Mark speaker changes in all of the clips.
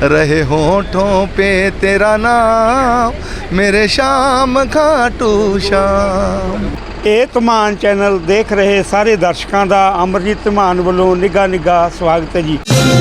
Speaker 1: रहे होठों पे तेरा नाम मेरे शाम खाटू श्याम।
Speaker 2: ਇਹ ਧਮਾਨ ਚੈਨਲ ਦੇਖ ਰਹੇ ਸਾਰੇ ਦਰਸ਼ਕਾਂ ਦਾ ਅਮਰਜੀਤ ਧਮਾਨ ਵੱਲੋਂ ਨਿੱਘਾ ਸਵਾਗਤ ਹੈ ਜੀ।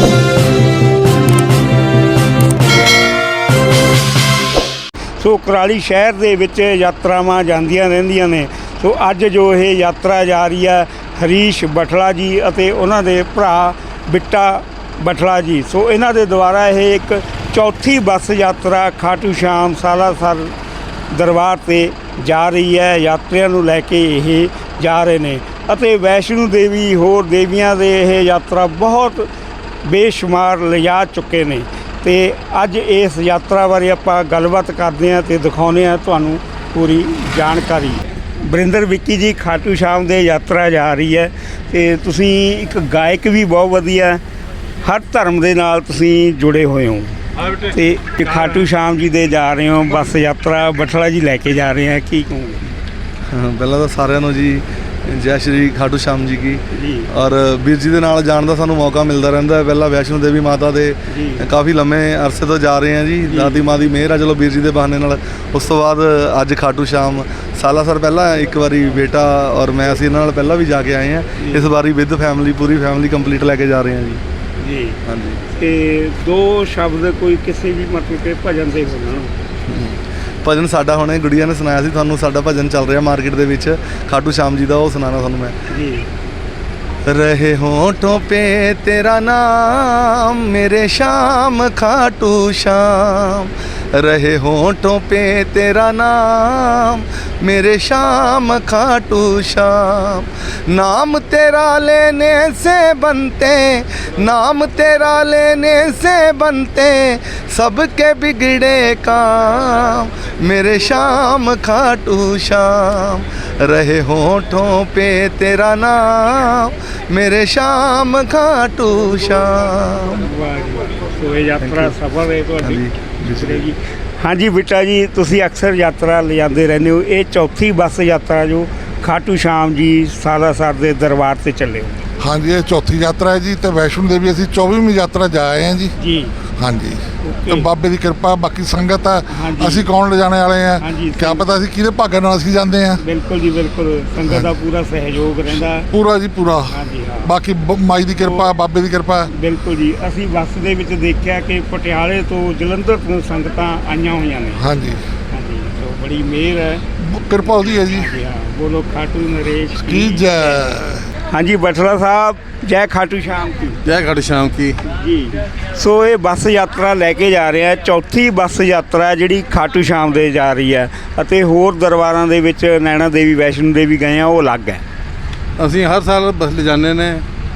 Speaker 2: ਸੋ ਕੁਰਾਲੀ ਸ਼ਹਿਰ ਦੇ ਵਿੱਚ ਯਾਤਰਾਵਾਂ ਜਾਂਦੀਆਂ ਰਹਿੰਦੀਆਂ ਨੇ। ਸੋ ਅੱਜ ਜੋ ਇਹ ਯਾਤਰਾ ਜਾ ਰਹੀ ਹੈ ਹਰੀਸ਼ ਬਠਲਾ ਜੀ ਅਤੇ ਉਹਨਾਂ ਦੇ ਭਰਾ ਬਿੱਟਾ ਬਠਲਾ ਜੀ। ਸੋ ਇਹਨਾਂ ਦੇ ਦੁਆਰਾ ਇਹ ਇੱਕ ਚੌਥੀ ਬੱਸ ਯਾਤਰਾ ਖਾਟੂ ਸ਼ਾਮ ਸਾਲਾਸਰ ਦਰਬਾਰ 'ਤੇ ਜਾ ਰਹੀ ਹੈ। ਯਾਤਰੀਆਂ ਨੂੰ ਲੈ ਕੇ ਇਹ ਜਾ ਰਹੇ ਨੇ ਅਤੇ ਵੈਸ਼ਨੂ ਦੇਵੀ ਹੋਰ ਦੇਵੀਆਂ ਦੇ ਇਹ ਯਾਤਰਾ ਬਹੁਤ ਬੇਸ਼ੁਮਾਰ ਲਿਜਾ ਚੁੱਕੇ ਨੇ। ਤੇ ਅੱਜ ਇਸ ਯਾਤਰਾ ਬਾਰੇ ਆਪਾਂ ਗੱਲਬਾਤ ਕਰਦੇ ਹਾਂ ਤੇ ਦਿਖਾਉਂਦੇ ਹਾਂ ਤੁਹਾਨੂੰ ਪੂਰੀ ਜਾਣਕਾਰੀ। ਵਰਿੰਦਰ ਵਿੱਕੀ ਜੀ, ਖਾਟੂ ਸ਼ਾਮ ਦੇ ਯਾਤਰਾ ਜਾ ਰਹੀ ਹੈ ਤੇ ਤੁਸੀਂ ਇੱਕ ਗਾਇਕ ਵੀ ਬਹੁਤ ਵਧੀਆ, ਹਰ ਧਰਮ ਦੇ ਨਾਲ ਤੁਸੀਂ ਜੁੜੇ ਹੋਏ ਹੋ ਤੇ ਖਾਟੂ ਸ਼ਾਮ ਜੀ ਦੇ ਜਾ ਰਹੇ ਹੋ ਬੱਸ ਯਾਤਰਾ, ਬਠਲਾ ਜੀ ਲੈ ਕੇ ਜਾ ਰਹੇ ਹੈ, ਕੀ ਕਹੋਗੇ?
Speaker 1: ਪਹਿਲਾਂ ਤਾਂ ਸਾਰਿਆਂ ਨੂੰ ਜੀ ਜੈ ਸ਼੍ਰੀ ਖਾਟੂ ਸ਼ਾਮ ਜੀ ਕੀ। ਔਰ ਵੀਰ ਜੀ ਦੇ ਨਾਲ ਜਾਣ ਦਾ ਸਾਨੂੰ ਮੌਕਾ ਮਿਲਦਾ ਰਹਿੰਦਾ ਹੈ। ਪਹਿਲਾਂ ਵੈਸ਼ਨੋ ਦੇਵੀ ਮਾਤਾ ਦੇ ਕਾਫੀ ਲੰਮੇ ਅਰਸੇ ਤੋਂ ਜਾ ਰਹੇ ਹਾਂ ਜੀ। ਦਾਦੀ ਮਾਂ ਦੀ ਮਿਹਰ ਆ ਚਲੋ ਵੀਰ ਜੀ ਦੇ ਬਹਾਨੇ ਨਾਲ। ਉਸ ਤੋਂ ਬਾਅਦ ਅੱਜ ਖਾਟੂ ਸ਼ਾਮ ਸਾਲਾਸਰ ਪਹਿਲਾਂ ਇੱਕ ਵਾਰੀ ਬੇਟਾ ਔਰ ਮੈਂ ਅਸੀਂ ਇਹਨਾਂ ਨਾਲ ਪਹਿਲਾਂ ਵੀ ਜਾ ਕੇ ਆਏ ਹਾਂ। ਇਸ ਵਾਰੀ ਵਿਦ ਫੈਮਿਲੀ ਪੂਰੀ ਫੈਮਿਲੀ ਕੰਪਲੀਟ ਲੈ ਕੇ ਜਾ ਰਹੇ ਹਾਂ ਜੀ।
Speaker 2: ਜੀ
Speaker 1: ਹਾਂਜੀ।
Speaker 2: ਤੇ ਦੋ ਸ਼ਬਦ ਕੋਈ ਕਿਸੇ ਵੀ ਮਤਲਬ ਕਿ ਭਜਨ ਦੇ ਹੋਣ।
Speaker 1: ਭਜਨ ਸਾਡਾ ਹੁਣੇ ਗੁੜੀਆ ਨੇ ਸੁਣਾਇਆ ਸੀ ਤੁਹਾਨੂੰ, ਸਾਡਾ ਭਜਨ ਚੱਲ ਰਿਹਾ ਮਾਰਕੀਟ ਦੇ ਵਿੱਚ ਖਾਟੂ ਸ਼ਾਮ ਜੀ ਦਾ, ਉਹ ਸੁਣਾਉਣਾ ਤੁਹਾਨੂੰ ਮੈਂ
Speaker 2: ਜੀ।
Speaker 1: रहे होठों पे तेरा नाम मेरे शाम खाटू श्याम, रहे होठों पे तेरा नाम मेरे शाम खाटू श्याम। नाम तेरा लेने से बनते, नाम तेरा लेने से बनते सबके बिगड़े काम मेरे शाम खाटू श्याम, रहे होठों पे तेरा नाम मेरे शाम खाटू श्याम।
Speaker 2: ਸੋ ਇਹ ਯਾਤਰਾ ਸਫਲ ਹੈ ਤੁਹਾਡੀ ਜੀ। ਹਾਂਜੀ ਬੇਟਾ ਜੀ, ਤੁਸੀਂ ਅਕਸਰ ਯਾਤਰਾ ਲਿਜਾਂਦੇ ਰਹਿੰਦੇ ਹੋ, ਇਹ ਚੌਥੀ ਬੱਸ ਯਾਤਰਾ ਜੋ ਖਾਟੂ ਸ਼ਾਮ ਜੀ ਸਾਲਾਸਰ ਦੇ ਦਰਬਾਰ 'ਤੇ ਚੱਲੇ ਹੋ।
Speaker 3: ਹਾਂਜੀ, ਇਹ ਚੌਥੀ ਯਾਤਰਾ ਹੈ ਜੀ ਤੇ ਵੈਸ਼ਨੋ ਦੇਵੀ ਅਸੀਂ 24ਵੀਂ ਯਾਤਰਾ ਜਾ ਆਏ ਹਾਂ ਜੀ। ਹਾਂਜੀ, ਤੇ ਬਾਬੇ ਦੀ ਕਿਰਪਾ, ਬਾਕੀ ਸੰਗਤ ਆ, ਅਸੀਂ ਕੌਣ ਲਿਜਾਣੇ ਵਾਲੇ ਆ, ਕਿਆ ਪਤਾ ਅਸੀਂ ਕਿਹਦੇ ਭਾਗਾਂ ਨਾਲ ਅਸੀਂ ਜਾਂਦੇ ਆ।
Speaker 2: ਬਿਲਕੁਲ ਜੀ ਬਿਲਕੁਲ, ਸੰਗਤ ਦਾ ਪੂਰਾ ਸਹਿਯੋਗ ਰਹਿੰਦਾ
Speaker 3: ਪੂਰਾ ਜੀ ਪੂਰਾ। ਬਾਕੀ ਮਾਈ ਦੀ ਕਿਰਪਾ, ਬਾਬੇ ਦੀ ਕਿਰਪਾ।
Speaker 2: ਬਿਲਕੁਲ ਜੀ। ਅਸੀਂ ਬੱਸ ਦੇ ਵਿੱਚ ਦੇਖਿਆ ਕਿ ਪਟਿਆਲੇ ਤੋਂ ਜਲੰਧਰ ਤੋਂ ਸੰਗਤਾਂ ਆਈਆਂ ਹੋਈਆਂ ਨੇ।
Speaker 3: ਹਾਂਜੀ
Speaker 2: ਹਾਂਜੀ, ਸੋ ਬੜੀ ਮਿਹਰ ਹੈ,
Speaker 3: ਕਿਰਪਾ ਉਹਦੀ ਹੈ ਜੀ।
Speaker 2: ਬੋਲੋ ਖਾਟੂ ਨਰੇਸ਼
Speaker 3: ਕੀ ਜੈ। ਹਾਂਜੀ
Speaker 2: ਬਠਲਾ ਸਾਹਿਬ, ਜੈ ਖਾਟੂ ਸ਼ਾਮ ਕੀ।
Speaker 4: ਜੈ ਖਾਟੂ ਸ਼ਾਮ ਕੀ
Speaker 2: ਜੀ। ਸੋ ਇਹ ਬੱਸ ਯਾਤਰਾ ਲੈ ਕੇ ਜਾ ਰਹੇ ਆ, ਚੌਥੀ ਬੱਸ ਯਾਤਰਾ ਜਿਹੜੀ ਖਾਟੂ ਸ਼ਾਮ ਦੇ ਜਾ ਰਹੀ ਹੈ ਅਤੇ ਹੋਰ ਦਰਬਾਰਾਂ ਦੇ ਵਿੱਚ ਨੈਣਾ ਦੇਵੀ ਵੈਸ਼ਨੋ ਦੇਵੀ ਗਏ ਆ, ਉਹ ਅਲੱਗ ਹੈ।
Speaker 4: ਅਸੀਂ ਹਰ ਸਾਲ ਬੱਸ ਲਿਜਾਂਦੇ ਨੇ,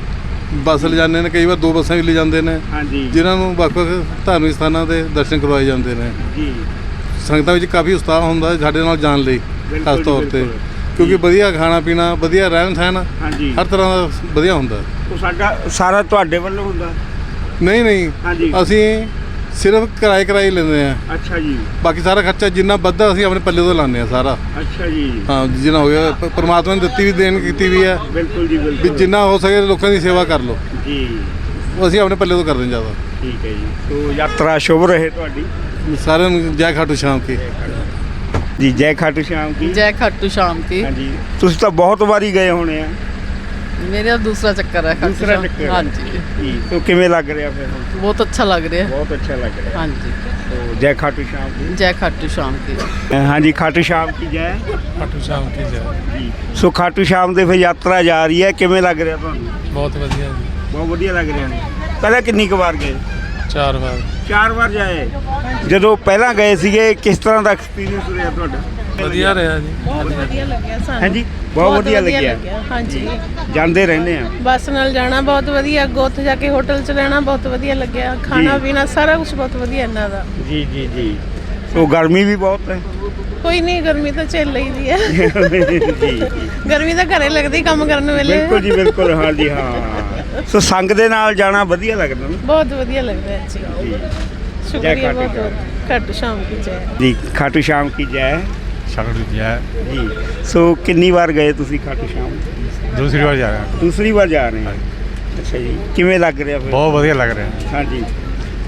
Speaker 4: ਕਈ ਵਾਰ ਦੋ ਬੱਸਾਂ ਵੀ ਲਿਜਾਂਦੇ ਨੇ।
Speaker 2: ਹਾਂਜੀ,
Speaker 4: ਜਿਨ੍ਹਾਂ ਨੂੰ ਵੱਖ-ਵੱਖ ਧਾਰਮਿਕ ਸਥਾਨਾਂ ਦੇ ਦਰਸ਼ਨ ਕਰਵਾਏ ਜਾਂਦੇ ਨੇ
Speaker 2: ਜੀ।
Speaker 4: ਸੰਗਤਾਂ ਵਿੱਚ ਕਾਫੀ ਉਤਸ਼ਾਹ ਹੁੰਦਾ ਸਾਡੇ ਨਾਲ ਜਾਣ ਲਈ, ਖਾਸ ਤੌਰ 'ਤੇ ਕਿਉਂਕਿ ਵਧੀਆ ਖਾਣਾ ਪੀਣਾ, ਵਧੀਆ ਰਹਿਣ ਸਹਿਣ, ਹਰ ਤਰ੍ਹਾਂ ਦਾ ਵਧੀਆ ਹੁੰਦਾ।
Speaker 2: ਉਹ ਸਾਡਾ ਸਾਰਾ ਤੁਹਾਡੇ ਵੱਲੋਂ ਹੁੰਦਾ?
Speaker 4: ਨਹੀਂ, ਅਸੀਂ ਸਿਰਫ ਕਿਰਾਏ ਲੈਂਦੇ ਆ।
Speaker 2: ਅੱਛਾ ਜੀ।
Speaker 4: ਬਾਕੀ ਸਾਰਾ ਖਰਚਾ ਜਿੰਨਾ ਵੱਧਦਾ ਅਸੀਂ ਆਪਣੇ ਪੱਲੇ ਤੋਂ ਲਾਉਂਦੇ ਆ ਸਾਰਾ।
Speaker 2: ਅੱਛਾ ਜੀ।
Speaker 4: ਹਾਂ, ਜਿੰਨਾ ਹੋ ਗਿਆ ਪਰਮਾਤਮਾ ਨੇ ਦਿੱਤੀ ਵੀ ਦੇਣ ਕੀਤੀ ਵੀ ਹੈ।
Speaker 2: ਬਿਲਕੁਲ ਜੀ ਬਿਲਕੁਲ।
Speaker 4: ਵੀ ਜਿੰਨਾ ਹੋ ਸਕੇ ਲੋਕਾਂ ਦੀ ਸੇਵਾ ਕਰ ਲਓ
Speaker 2: ਜੀ।
Speaker 4: ਅਸੀਂ ਆਪਣੇ ਪੱਲੇ ਤੋਂ ਕਰਦੇ ਹਾਂ ਜ਼ਿਆਦਾ।
Speaker 2: ਠੀਕ ਹੈ ਜੀ। ਸੋ ਯਾਤਰਾ ਸ਼ੁਭ ਰਹੇ ਤੁਹਾਡੀ।
Speaker 4: ਸਾਰਿਆਂ ਨੂੰ ਜੈ ਖਾਟੂ ਸ਼ਾਮ ਕੀ
Speaker 2: ਜੀ। ਜੈ ਖਾਟੂ ਸ਼ਾਮ ਕੀ।
Speaker 5: जय खाटू शाम की।
Speaker 2: ਹਾਂਜੀ, ਤੁਸੀਂ ਤਾਂ ਬਹੁਤ ਵਾਰੀ ਗਏ ਹੋਣੇ ਆ।
Speaker 5: मेरा दूसरा चक्कर है खाटू
Speaker 2: दूसरा
Speaker 5: शाम।
Speaker 2: चक्कर?
Speaker 5: हाँ जी।
Speaker 2: ਜੀ। तो ਕਿਵੇਂ ਲੱਗ ਰਿਹਾ ਫਿਰ ਹੁਣ?
Speaker 5: बहुत अच्छा लग रहा है।
Speaker 2: ਬਹੁਤ ਅੱਛਾ ਲੱਗ ਰਿਹਾ।
Speaker 5: हाँ जी।
Speaker 2: तो ਜੈ ਖਾਟੂ ਸ਼ਾਮ ਕੀ।
Speaker 5: जय खाटू शाम की।
Speaker 2: ਹਾਂਜੀ, ਖਾਟੂ ਸ਼ਾਮ ਕੀ ਜੈ।
Speaker 6: ਖਾਟੂ ਸ਼ਾਮ ਕੀ ਜੈ।
Speaker 2: ਜੀ। ਸੋ ਖਾਟੂ ਸ਼ਾਮ ਦੇ ਫਿਰ ਯਾਤਰਾ ਜਾ ਰਹੀ ਹੈ, ਕਿਵੇਂ ਲੱਗ ਰਿਹਾ ਤੁਹਾਨੂੰ?
Speaker 6: ਬਹੁਤ ਵਧੀਆ ਜੀ।
Speaker 2: ਬਹੁਤ ਵਧੀਆ ਲੱਗ ਰਿਹਾ ਨੇ। ਪਹਿਲਾਂ ਕਿੰਨੀ ਕੁ ਵਾਰ ਗਏ?
Speaker 6: 4 ਵਾਰ।
Speaker 2: 4 ਵਾਰ ਜਾਏ। ਜਦੋਂ ਪਹਿਲਾਂ ਗਏ ਸੀਗੇ ਕਿਸ ਤਰ੍ਹਾਂ ਦਾ ਐਕਸਪੀਰੀਅੰਸ ਰਿਹਾ ਤੁਹਾਡਾ?
Speaker 6: ਵਧੀਆ ਰਿਹਾ ਜੀ।
Speaker 7: ਬਹੁਤ ਵਧੀਆ ਲੱਗਿਆ ਸਾਨੂੰ।
Speaker 2: ਹਾਂਜੀ, ਬਹੁਤ ਵਧੀਆ ਲੱਗਿਆ।
Speaker 7: ਹਾਂਜੀ,
Speaker 2: ਜਾਂਦੇ ਰਹਿੰਦੇ ਆ।
Speaker 7: ਬੱਸ ਨਾਲ ਜਾਣਾ ਬਹੁਤ ਵਧੀਆ, ਅੱਗੋਂ ਉੱਥੇ ਜਾ ਕੇ ਹੋਟਲ 'ਚ ਰਹਿਣਾ ਬਹੁਤ ਵਧੀਆ ਲੱਗਿਆ, ਖਾਣਾ ਪੀਣਾ ਸਾਰਾ ਕੁਝ ਬਹੁਤ ਵਧੀਆ ਇਹਨਾਂ ਦਾ।
Speaker 2: ਜੀ। ਸੋ ਗਰਮੀ ਵੀ ਬਹੁਤ ਹੈ।
Speaker 7: ਕੋਈ ਨਹੀਂ, ਗਰਮੀ ਤਾਂ ਝੇਲ ਲਈਦੀ ਹੈ।
Speaker 2: ਜੀ।
Speaker 7: ਗਰਮੀ ਤਾਂ ਘਰੇ ਲੱਗਦੀ ਕੰਮ ਕਰਨ ਵੇਲੇ।
Speaker 2: ਬਿਲਕੁਲ ਜੀ ਬਿਲਕੁਲ। ਹਾਂਜੀ ਹਾਂ। ਸੋ ਸੰਗ ਦੇ ਨਾਲ ਜਾਣਾ ਵਧੀਆ ਲੱਗਦਾ ਨਾ।
Speaker 7: ਬਹੁਤ ਵਧੀਆ ਲੱਗਦਾ ਹੈ ਜੀ। ਸ਼ੁਕਰੀਆ ਬਹੁਤ। ਖਾਟੂ ਸ਼ਾਮ ਕੀ ਜੈ।
Speaker 2: ਜੀ। ਖਾਟੂ ਸ਼ਾਮ ਕੀ ਜੈ।
Speaker 6: ਸ਼ਾਮ ਜੈ
Speaker 2: ਜੀ। ਸੋ ਕਿੰਨੀ ਵਾਰ ਗਏ ਤੁਸੀਂ ਖਾਟੂ ਸ਼ਾਮ?
Speaker 6: ਦੂਸਰੀ ਵਾਰ ਜਾ ਰਿਹਾ।
Speaker 2: ਦੂਸਰੀ ਵਾਰ ਜਾ ਰਹੇ ਹਾਂ। ਅੱਛਾ ਜੀ, ਕਿਵੇਂ ਲੱਗ ਰਿਹਾ ਫਿਰ?
Speaker 6: ਬਹੁਤ ਵਧੀਆ ਲੱਗ ਰਿਹਾ।
Speaker 2: ਹਾਂਜੀ।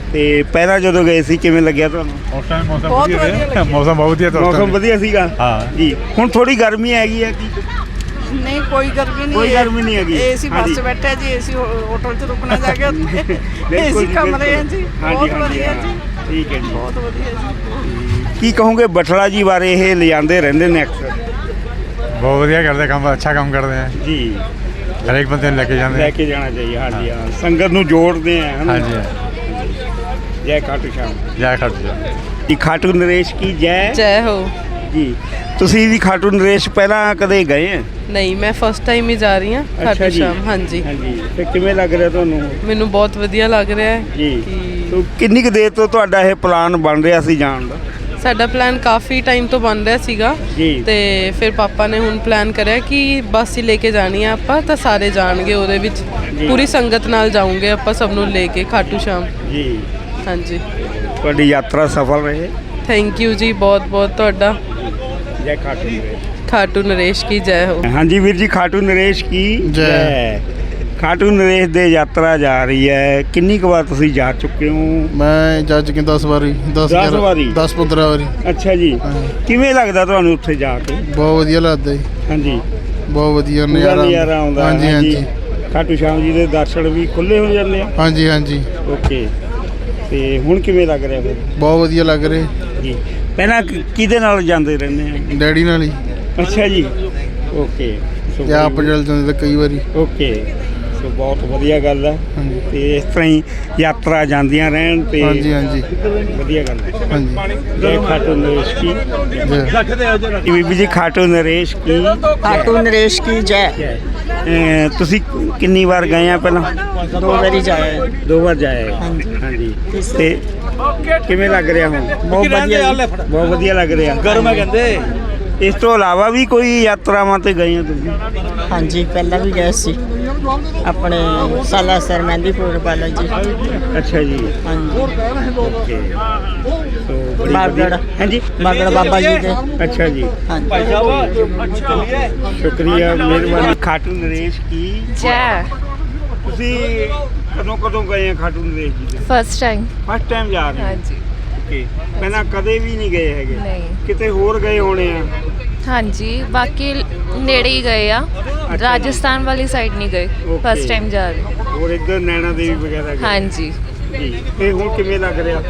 Speaker 2: ਤੇ ਪਹਿਲਾਂ ਜਦੋਂ ਗਏ ਸੀ ਕਿਵੇਂ ਲੱਗਿਆ ਤੁਹਾਨੂੰ?
Speaker 6: ਉਸ ਟਾਈਮ ਮੌਸਮ ਵਧੀਆ ਰਿਹਾ ਮੌਸਮ ਬਹੁਤ ਵਧੀਆ ਤਾਂ ਉਸ
Speaker 2: ਮੌਸਮ
Speaker 6: time।
Speaker 2: ਵਧੀਆ ਸੀਗਾ
Speaker 6: ਹਾਂ।
Speaker 2: ਜੀ। ਹੁਣ ਥੋੜੀ ਗਰਮੀ ਹੈਗੀ ਹੈ ਕੀ?
Speaker 8: ਨਹੀਂ ਕੋਈ ਗਰਮੀ ਨਹੀਂ
Speaker 2: ਕੋਈ ਗਰਮੀ ਨਹੀਂ ਹੈਗੀ।
Speaker 8: ਏਸੀ ਬੱਸ 'ਚ ਬੈਠੇ ਜੀ, ਏਸੀ ਹੋਟਲ 'ਚ ਰੁਕਣਾ ਜਾ ਕੇ ਉੱਥੇ ਏਸੀ ਕਮਰੇ ਹੈ ਜੀ, ਬਹੁਤ ਵਧੀਆ ਜੀ,
Speaker 2: ਠੀਕ ਹੈ ਜੀ।
Speaker 8: ਬਹੁਤ ਵਧੀਆ ਜੀ।
Speaker 2: ਕੀ ਕਹੋਗੇ ਬਠਲਾ ਜੀ ਬਾਰੇ? ਇਹ ਲਿਜਾਂਦੇ ਰਹਿੰਦੇ ਨੇ ਅਕਸਰ
Speaker 6: ਬਹੁਤ ਵਧੀਆ ਕਰਦੇ ਕੰਮ, ਅੱਛਾ ਕੰਮ ਕਰਦੇ ਆ
Speaker 2: ਜੀ।
Speaker 6: ਹਰੇਕ ਬੰਦੇ ਨੂੰ ਲੈ ਕੇ ਜਾਂਦੇ
Speaker 2: ਲੈ
Speaker 6: ਆ।
Speaker 2: ਕੇ ਜਾਣਾ ਚਾਹੀਏ। ਹਾਂਜੀ ਹਾਂ, ਸੰਗਤ ਨੂੰ ਜੋੜਦੇ ਆ ਹਨਾ?
Speaker 6: ਹਾਂਜੀ
Speaker 2: ਜੈ ਖਾਟੂ ਸ਼ਾਮ
Speaker 6: ਜੈ ਖਾਟੂ ਸ਼ਾਮ।
Speaker 2: ਜੀ। ਖਾਟੂ ਨਰੇਸ਼ ਕੀ ਜੈ
Speaker 5: ਜੈ ਹੋ।
Speaker 2: ਜੀ। ਤੁਸੀਂ ਵੀ ਖਾਟੂ ਨਰੇਸ਼ ਪਹਿਲਾਂ ਕਦੇ ਗਏ ਆ?
Speaker 5: ਨਹੀਂ, ਮੈਂ ਫਸਟ ਟਾਈਮ ਹੀ ਜਾ ਰਹੀ ਹਾਂ
Speaker 2: ਅੱਛਾ
Speaker 5: ਖਾਟੂ
Speaker 2: ਜੀ।
Speaker 5: ਸ਼ਾਮ। ਹਾਂਜੀ,
Speaker 2: ਹਾਂਜੀ। ਤੇ ਕਿਵੇਂ ਲੱਗ ਰਿਹਾ ਤੁਹਾਨੂੰ?
Speaker 5: ਮੈਨੂੰ ਬਹੁਤ ਵਧੀਆ ਲੱਗ ਰਿਹਾ ਹੈ
Speaker 2: ਜੀ।
Speaker 5: ਕਿ
Speaker 2: ਤੋ ਕਿੰਨੀ ਕੁ ਦੇਰ ਤੋਂ ਤੁਹਾਡਾ ਇਹ ਪਲਾਨ ਬਣ ਰਿਹਾ ਸੀ ਜਾਣ ਦਾ?
Speaker 5: ਸਾਡਾ ਪਲਾਨ ਕਾਫੀ ਟਾਈਮ ਤੋਂ ਬਣ ਰਿਹਾ ਸੀਗਾ
Speaker 2: ਜੀ।
Speaker 5: ਤੇ ਫਿਰ ਪਾਪਾ ਨੇ ਹੁਣ ਪਲਾਨ ਕਰਿਆ ਕਿ ਬੱਸ ਹੀ ਲੈ ਕੇ ਜਾਣੀ ਆ ਆਪਾਂ, ਤਾਂ ਸਾਰੇ ਜਾਣਗੇ ਉਹਦੇ ਵਿੱਚ। ਪੂਰੀ ਸੰਗਤ ਨਾਲ ਜਾਊਂਗੇ ਆਪਾਂ, ਸਭ ਨੂੰ ਲੈ ਕੇ ਖਾਟੂ ਸ਼ਾਮ।
Speaker 2: ਜੀ।
Speaker 5: ਹਾਂਜੀ,
Speaker 2: ਤੁਹਾਡੀ ਯਾਤਰਾ ਸਫਲ ਰਹੇ।
Speaker 5: ਥੈਂਕ ਯੂ ਜੀ, ਬਹੁਤ ਬਹੁਤ ਤੁਹਾਡਾ।
Speaker 2: ਜੈ ਖਾਟੂ ਨਰੇਸ਼।
Speaker 5: ਖਾਟੂ ਨਰੇਸ਼ ਕੀ ਜੈ ਹੋ।
Speaker 2: ਹਾਂਜੀ ਵੀਰ ਜੀ, ਖਾਟੂ ਨਰੇਸ਼ ਕੀ ਜੈ। ਖਾਟੂ ਨਰੇਸ਼ ਦੇ ਯਾਤਰਾ ਜਾ ਰਹੀ ਹੈ। ਕਿੰਨੀ ਕੁ ਵਾਰ ਤੁਸੀਂ ਜਾ ਚੁੱਕੇ ਹੋ?
Speaker 9: ਮੈਂ ਜਾ ਚੁੱਕਿਆ 10 ਵਾਰੀ
Speaker 2: 10 ਵਾਰੀ?
Speaker 9: 10-15 ਵਾਰੀ।
Speaker 2: ਅੱਛਾ ਜੀ। ਕਿਵੇਂ ਲੱਗਦਾ ਤੁਹਾਨੂੰ ਉੱਥੇ ਜਾ ਕੇ?
Speaker 9: ਬਹੁਤ ਵਧੀਆ ਲੱਗਦਾ ਜੀ,
Speaker 2: ਹਾਂਜੀ।
Speaker 9: ਬਹੁਤ ਵਧੀਆ
Speaker 2: ਪੂਰਾ ਨਜ਼ਾਰਾ ਆਉਂਦਾ।
Speaker 9: ਹਾਂਜੀ ਹਾਂਜੀ
Speaker 2: ਖਾਟੂ ਸ਼ਾਮ ਜੀ ਦੇ ਦਰਸ਼ਨ ਵੀ ਖੁੱਲੇ ਹੋ ਜਾਂਦੇ ਆ?
Speaker 9: ਹਾਂਜੀ ਹਾਂਜੀ।
Speaker 2: ਓਕੇ। ਤੇ ਹੁਣ ਕਿਵੇਂ ਲੱਗ ਰਿਹਾ ਫਿਰ?
Speaker 9: ਬਹੁਤ ਵਧੀਆ ਲੱਗ ਰਿਹਾ
Speaker 2: ਜੀ। ਪਹਿਲਾਂ ਕਿਹਦੇ ਨਾਲ ਜਾਂਦੇ ਰਹਿੰਦੇ ਆ?
Speaker 9: ਡੈਡੀ ਨਾਲ ਹੀ,
Speaker 2: ਅੱਛਾ ਜੀ। ਓਕੇ।
Speaker 9: ਤੇ ਆਪ ਚੱਲ ਜਾਂਦੇ ਤਾਂ ਕਈ ਵਾਰੀ।
Speaker 2: ਓਕੇ। ਸੋ ਬਹੁਤ ਵਧੀਆ ਗੱਲ ਹੈ।
Speaker 9: ਹਾਂਜੀ।
Speaker 2: ਤੇ ਇਸ ਤਰ੍ਹਾਂ ਹੀ ਯਾਤਰਾ ਜਾਂਦੀਆਂ ਰਹਿਣ ਤੇ
Speaker 9: ਹਾਂਜੀ ਹਾਂਜੀ
Speaker 2: ਵਧੀਆ ਗੱਲ ਹੈ।
Speaker 9: ਹਾਂਜੀ।
Speaker 2: ਜੈ ਖਾਟੂ ਨਰੇਸ਼ ਕੀ
Speaker 9: ਜੈ।
Speaker 2: ਬੀਬੀ ਜੀ, ਖਾਟੂ ਨਰੇਸ਼ ਕੀ
Speaker 8: ਖਾਟੂ ਨਰੇਸ਼ ਕੀ ਜੈ।
Speaker 2: ਤੁਸੀਂ ਕਿੰਨੀ ਵਾਰ ਗਏ ਆ ਪਹਿਲਾਂ?
Speaker 8: 2 ਵਾਰੀ ਜਾਇਆ।
Speaker 2: 2 ਵਾਰ ਜਾਏ। ਹਾਂਜੀ। ਤੇ ਕਿਵੇਂ ਲੱਗ ਰਿਹਾ ਹੁਣ?
Speaker 8: ਬਹੁਤ ਵਧੀਆ ਜੀ।
Speaker 2: ਬਹੁਤ ਵਧੀਆ ਲੱਗ ਰਿਹਾ।
Speaker 8: ਗਰਮ ਕਹਿੰਦੇ।
Speaker 2: ਇਸ ਤੋਂ ਇਲਾਵਾ ਵੀ ਕੋਈ ਯਾਤਰਾਵਾਂ ਤੇ ਗਏ ਆ ਤੁਸੀਂ?
Speaker 8: ਹਾਂਜੀ, ਪਹਿਲਾਂ ਵੀ ਗਏ ਸੀ ਆਪਣੇ ਸਾਲਾਸਰ ਮਹਿੰਦੀਪੁਰ ਬਾਲਾ ਜੀ।
Speaker 2: ਅੱਛਾ ਜੀ।
Speaker 8: ਹਾਂਜੀ।
Speaker 2: ਓਕੇ। ਸੋ ਬੜੀ
Speaker 8: ਬਾਗੜ।
Speaker 2: ਵਧੀਆ। ਹਾਂਜੀ।
Speaker 8: ਬਾਗੜ ਬਾਬਾ ਜੀ ਦੇ।
Speaker 2: ਅੱਛਾ ਜੀ।
Speaker 8: ਹਾਂਜੀ।
Speaker 2: ਸ਼ੁਕਰੀਆ, ਮਿਹਰਬਾਨੀ। ਖਾਟੂ ਨਰੇਸ਼ ਕੀ
Speaker 10: ਜੈ।
Speaker 2: ਤੁਸੀਂ ਕਦੋਂ ਗਏ ਆ ਖਾਟੂ ਨਰੇਸ਼ ਜੀ ਦੇ?
Speaker 10: First time.
Speaker 2: ਫਸਟ ਟਾਈਮ ਜਾ ਰਹੇ ਹੋ?
Speaker 10: ਹਾਂਜੀ।
Speaker 2: ਓਕੇ। ਪਹਿਲਾਂ ਕਦੇ ਵੀ ਨਹੀਂ ਗਏ ਹੈਗੇ?
Speaker 10: ਨਹੀਂ।
Speaker 2: ਕਿਤੇ ਹੋਰ ਗਏ ਹੋਣੇ ਆ?
Speaker 10: ਹਾਂਜੀ, ਬਾਕੀ ਨੇੜੇ ਹੀ ਗਏ ਆ, ਰਾਜਸਥਾਨ ਵਾਲੀ ਸਾਈਡ ਨਹੀਂ ਗਏ।
Speaker 2: Okay.
Speaker 10: ਫਸਟ ਟਾਈਮ ਜਾ ਰਹੇ।
Speaker 2: ਹੋਰ ਇੱਧਰ ਨੈਣਾ ਦੇਵੀ ਵਗੈਰਾ ਗਏ?
Speaker 10: ਹਾਂਜੀ।
Speaker 2: ਜੀ। ਤੇ ਹੁਣ ਕਿਵੇਂ ਲੱਗ ਰਿਹਾ?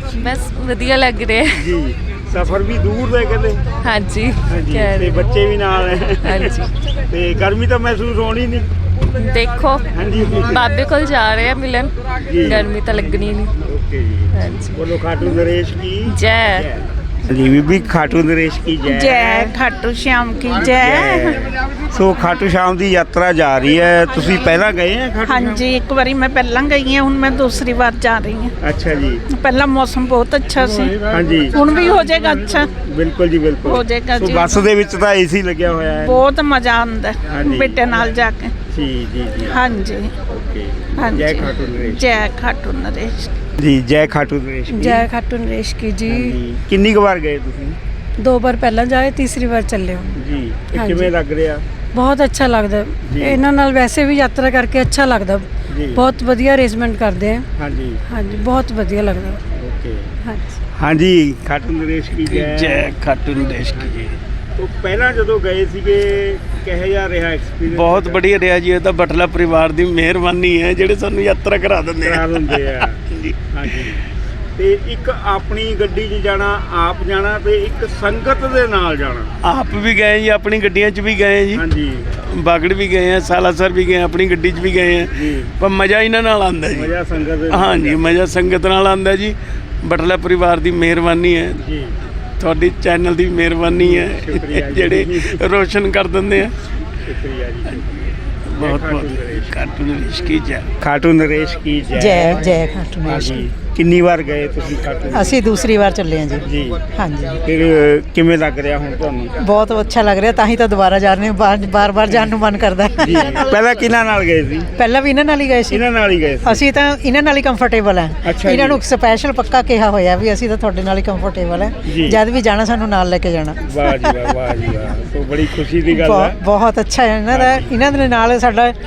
Speaker 10: ਬਸ ਵਧੀਆ ਲੱਗ ਰਿਹਾ।
Speaker 2: ਜੀ। ਸਫ਼ਰ ਵੀ ਦੂਰ ਦਾ ਕਹਿੰਦੇ?
Speaker 10: ਹਾਂਜੀ।
Speaker 2: ਹਾਂਜੀ।
Speaker 10: ਕਹਿ
Speaker 2: ਤੇ
Speaker 10: ਰਹੇ।
Speaker 2: ਬੱਚੇ ਵੀ ਨਾਲ ਹੈ?
Speaker 10: ਹਾਂਜੀ।
Speaker 2: ਤੇ ਗਰਮੀ ਤਾਂ ਮਹਿਸੂਸ ਹੋਣੀ ਨਹੀਂ?
Speaker 10: ਦੇਖੋ,
Speaker 2: ਹਾਂਜੀ।
Speaker 10: ਬਾਬੇ ਕੋਲ ਜਾ ਰਹੇ ਆ ਮਿਲਣ,
Speaker 2: ਜੀ।
Speaker 10: ਗਰਮੀ ਤਾਂ ਲੱਗਣੀ ਨਹੀਂ।
Speaker 2: ਓਕੇ ਜੀ।
Speaker 10: ਹਾਂਜੀ।
Speaker 2: ਬੋਲੋ ਖਾਟੂ ਨਰੇਸ਼ ਕੀ
Speaker 10: ਜੈ।
Speaker 2: ਜੀ। ਬੀਬੀ, ਖਾਟੂ ਨਰੇਸ਼ ਕੀ ਜੈ।
Speaker 8: ਜੈ ਖਾਟੂ ਸ਼ਾਮ ਕੀ ਜੈ।
Speaker 2: ਸੋ ਖਾਟੂ ਸ਼ਾਮ ਦੀ ਯਾਤਰਾ ਜਾ ਰਹੀ ਹੈ। ਤੁਸੀਂ ਪਹਿਲਾਂ ਗਏ ਆ ਖਾਟੂ ਸ਼ਾਮ?
Speaker 8: ਹਾਂਜੀ, ਇੱਕ ਵਾਰੀ ਮੈਂ ਪਹਿਲਾਂ ਗਈ ਹਾਂ, ਹੁਣ ਮੈਂ ਦੂਸਰੀ ਵਾਰ ਜਾ ਰਹੀ ਹਾਂ।
Speaker 2: ਅੱਛਾ ਜੀ।
Speaker 8: ਪਹਿਲਾਂ ਮੌਸਮ ਬਹੁਤ ਅੱਛਾ ਸੀ,
Speaker 2: ਹਾਂਜੀ।
Speaker 8: ਹੁਣ ਵੀ ਹੋ ਜਾਏਗਾ ਅੱਛਾ।
Speaker 2: ਬਿਲਕੁਲ ਜੀ, ਬਿਲਕੁਲ
Speaker 8: ਹੋ ਜਾਏਗਾ
Speaker 2: ਸੋ
Speaker 8: ਜੀ।
Speaker 2: ਬੱਸ ਦੇ ਵਿੱਚ ਤਾਂ ਏਸੀ ਲੱਗਿਆ ਹੋਇਆ ਹੈ।
Speaker 8: ਬਹੁਤ ਮਜ਼ਾ ਆਉਂਦਾ ਹੈ
Speaker 2: ਹਾਂਜੀ।
Speaker 8: ਬੇਟੇ ਨਾਲ ਜਾ ਕੇ।
Speaker 2: ਜੀ ਜੀ ਜੀ।
Speaker 8: ਹਾਂਜੀ
Speaker 2: ਓਕੇ।
Speaker 8: ਹਾਂਜੀ।
Speaker 2: ਜੈ ਖਾਟੂ ਨਰੇਸ਼।
Speaker 8: ਜੈ ਖਾਟੂ ਨਰੇਸ਼।
Speaker 2: ਜੀ। ਜੈ ਖਾਟੂ ਨਰੇਸ਼ ਕੀ।
Speaker 11: ਜੈ ਖਾਟੂ ਨਰੇਸ਼ ਕੀ ਜੀ।
Speaker 2: ਹਾਂਜੀ। ਕਿੰਨੀ ਕੁ ਵਾਰ ਗਏ ਤੁਸੀਂ?
Speaker 11: 2 ਵਾਰ ਪਹਿਲਾਂ ਜਾਏ, ਤੀਸਰੀ ਵਾਰ ਚੱਲੇ ਹੋ।
Speaker 2: ਜੀ। ਤੇ
Speaker 11: ਹਾਂਜੀ।
Speaker 2: ਕਿਵੇਂ ਲੱਗ ਰਿਹਾ?
Speaker 11: ਬਹੁਤ ਅੱਛਾ ਲੱਗਦਾ।
Speaker 2: ਜੀ।
Speaker 11: ਇਹਨਾਂ ਨਾਲ ਵੈਸੇ ਵੀ ਯਾਤਰਾ ਕਰਕੇ ਅੱਛਾ ਲੱਗਦਾ।
Speaker 2: ਜੀ।
Speaker 11: ਬਹੁਤ ਵਧੀਆ ਅਰੇਂਜਮੈਂਟ ਕਰਦੇ ਆ।
Speaker 2: ਹਾਂਜੀ।
Speaker 11: ਹਾਂਜੀ, ਬਹੁਤ ਵਧੀਆ ਲੱਗਦਾ।
Speaker 2: ਓਕੇ।
Speaker 11: ਹਾਂਜੀ।
Speaker 2: ਹਾਂਜੀ। ਖਾਟੂ ਨਰੇਸ਼ ਕੀ ਜੈ।
Speaker 12: ਜੈ ਖਾਟੂ ਨਰੇਸ਼ ਕੀ ਜੀ।
Speaker 2: ਉਹ ਪਹਿਲਾਂ ਜਦੋਂ ਗਏ ਸੀਗੇ ਕਿਹੋ ਜਿਹਾ ਰਿਹਾ ਐਕਸਪੀਰੀਅੰਸ?
Speaker 12: ਬਹੁਤ ਵਧੀਆ ਰਿਹਾ ਜੀ। ਇਹ ਤਾਂ ਬਟਲਾ ਪਰਿਵਾਰ ਦੀ ਮਿਹਰਬਾਨੀ ਹੈ ਜਿਹੜੇ ਸਾਨੂੰ ਯਾਤਰਾ ਕਰਾ ਦਿੰਦੇ
Speaker 2: ਕਰਾ
Speaker 12: ਆ।
Speaker 2: ਦਿੰਦੇ ਆ। ਹਾਂਜੀ। ਤੇ ਇੱਕ ਆਪਣੀ ਗੱਡੀ 'ਚ ਜਾਣਾ, ਆਪ ਜਾਣਾ, ਤੇ ਇੱਕ ਸੰਗਤ ਦੇ ਨਾਲ ਜਾਣਾ।
Speaker 12: ਆਪ ਵੀ ਗਏ ਜੀ, ਆਪਣੀ ਗੱਡੀਆਂ 'ਚ ਵੀ ਗਏ ਜੀ,
Speaker 2: ਹਾਂਜੀ।
Speaker 12: ਬਾਗੜ ਵੀ ਗਏ ਆ, ਸਾਲਾਸਰ ਵੀ ਗਏ ਆ, ਆਪਣੀ ਗੱਡੀ 'ਚ ਵੀ ਗਏ ਆ।
Speaker 2: ਜੀ।
Speaker 12: ਪਰ ਮਜ਼ਾ ਇਹਨਾਂ ਨਾਲ ਆਉਂਦਾ ਜੀ।
Speaker 2: ਮਜ਼ਾ ਸੰਗਤ ਦੇ ਨਾਲ।
Speaker 12: ਹਾਂਜੀ, ਮਜ਼ਾ ਸੰਗਤ ਨਾਲ ਆਉਂਦਾ ਜੀ। ਬਟਲਾ ਪਰਿਵਾਰ ਦੀ ਮਿਹਰਬਾਨੀ ਹੈ,
Speaker 2: ਜੀ।
Speaker 12: ਤੁਹਾਡੀ ਚੈਨਲ ਦੀ ਮਿਹਰਬਾਨੀ ਹੈ
Speaker 2: ਸ਼ੁਕਰੀਆ ਜੀ।
Speaker 12: ਜਿਹੜੇ ਰੋਸ਼ਨ ਕਰ ਦਿੰਦੇ ਆ।
Speaker 2: ਸ਼ੁਕਰੀਆ ਜੀ।
Speaker 12: ਬਹੁਤ ਬਹੁਤ ਖਾਟੂ ਨਰੇਸ਼ ਕੀ ਜੈ।
Speaker 2: ਖਾਟੂ ਨਰੇਸ਼ ਕੀ ਜੈ।
Speaker 8: ਜੈ ਖਾਟੂ
Speaker 2: ਹਾਂਜੀ। ਕਿੰਨੀ ਵਾਰ ਗਏ ਤੁਸੀਂ ਖਾਟੂ?
Speaker 8: ਅਸੀਂ ਦੂਸਰੀ ਵਾਰ ਚੱਲੇ ਹਾਂ ਜੀ।
Speaker 2: ਜੀ।
Speaker 8: ਹਾਂਜੀ।
Speaker 2: ਫਿਰ ਕਿਵੇਂ ਲੱਗ ਰਿਹਾ ਹੁਣ ਤੁਹਾਨੂੰ?
Speaker 8: ਬਹੁਤ ਅੱਛਾ ਲੱਗ ਰਿਹਾ, ਤਾਂ ਹੀ ਤਾਂ ਦੁਬਾਰਾ ਜਾ ਰਹੇ ਹਾਂ। ਬਾਰ-ਬਾਰ ਜਾਣ ਨੂੰ ਮਨ ਕਰਦਾ ਹੈ।
Speaker 2: ਜੀ। ਪਹਿਲਾਂ ਕਿਹਨਾਂ ਨਾਲ ਗਏ ਸੀ?
Speaker 8: ਪਹਿਲਾਂ ਵੀ ਇਹਨਾਂ ਨਾਲ ਹੀ ਗਏ ਸੀ।
Speaker 2: ਇਹਨਾਂ ਨਾਲ ਹੀ ਗਏ ਸੀ?
Speaker 8: ਅਸੀਂ ਤਾਂ ਇਹਨਾਂ ਨਾਲ ਹੀ ਕੰਫਰਟੇਬਲ ਹਾਂ।
Speaker 2: ਅੱਛਾ ਜੀ।
Speaker 8: ਇਹਨਾਂ ਨੂੰ ਸਪੈਸ਼ਲ ਪੱਕਾ ਕਿਹਾ ਹੋਇਆ ਵੀ ਅਸੀਂ ਤਾਂ ਤੁਹਾਡੇ ਨਾਲ ਹੀ ਕੰਫਰਟੇਬਲ
Speaker 2: ਜੀ।
Speaker 8: ਹੈ, ਜਦ ਵੀ ਜਾਣਾ ਸਾਨੂੰ ਨਾਲ ਲੈ ਕੇ ਜਾਣਾ।
Speaker 2: ਵਾਹ ਜੀ ਵਾਹ, ਵਾਹ ਜੀ ਵਾਹ। ਸੋ ਬੜੀ ਖੁਸ਼ੀ ਦੀ ਗੱਲ ਹੈ।
Speaker 8: ਬਹੁਤ ਅੱਛਾ ਹੈ ਇਹਨਾਂ ਦਾ। ਇਹਨਾਂ ਦੇ ਨਾਲ ਸਾਡਾ ਸ਼ੁਰੂ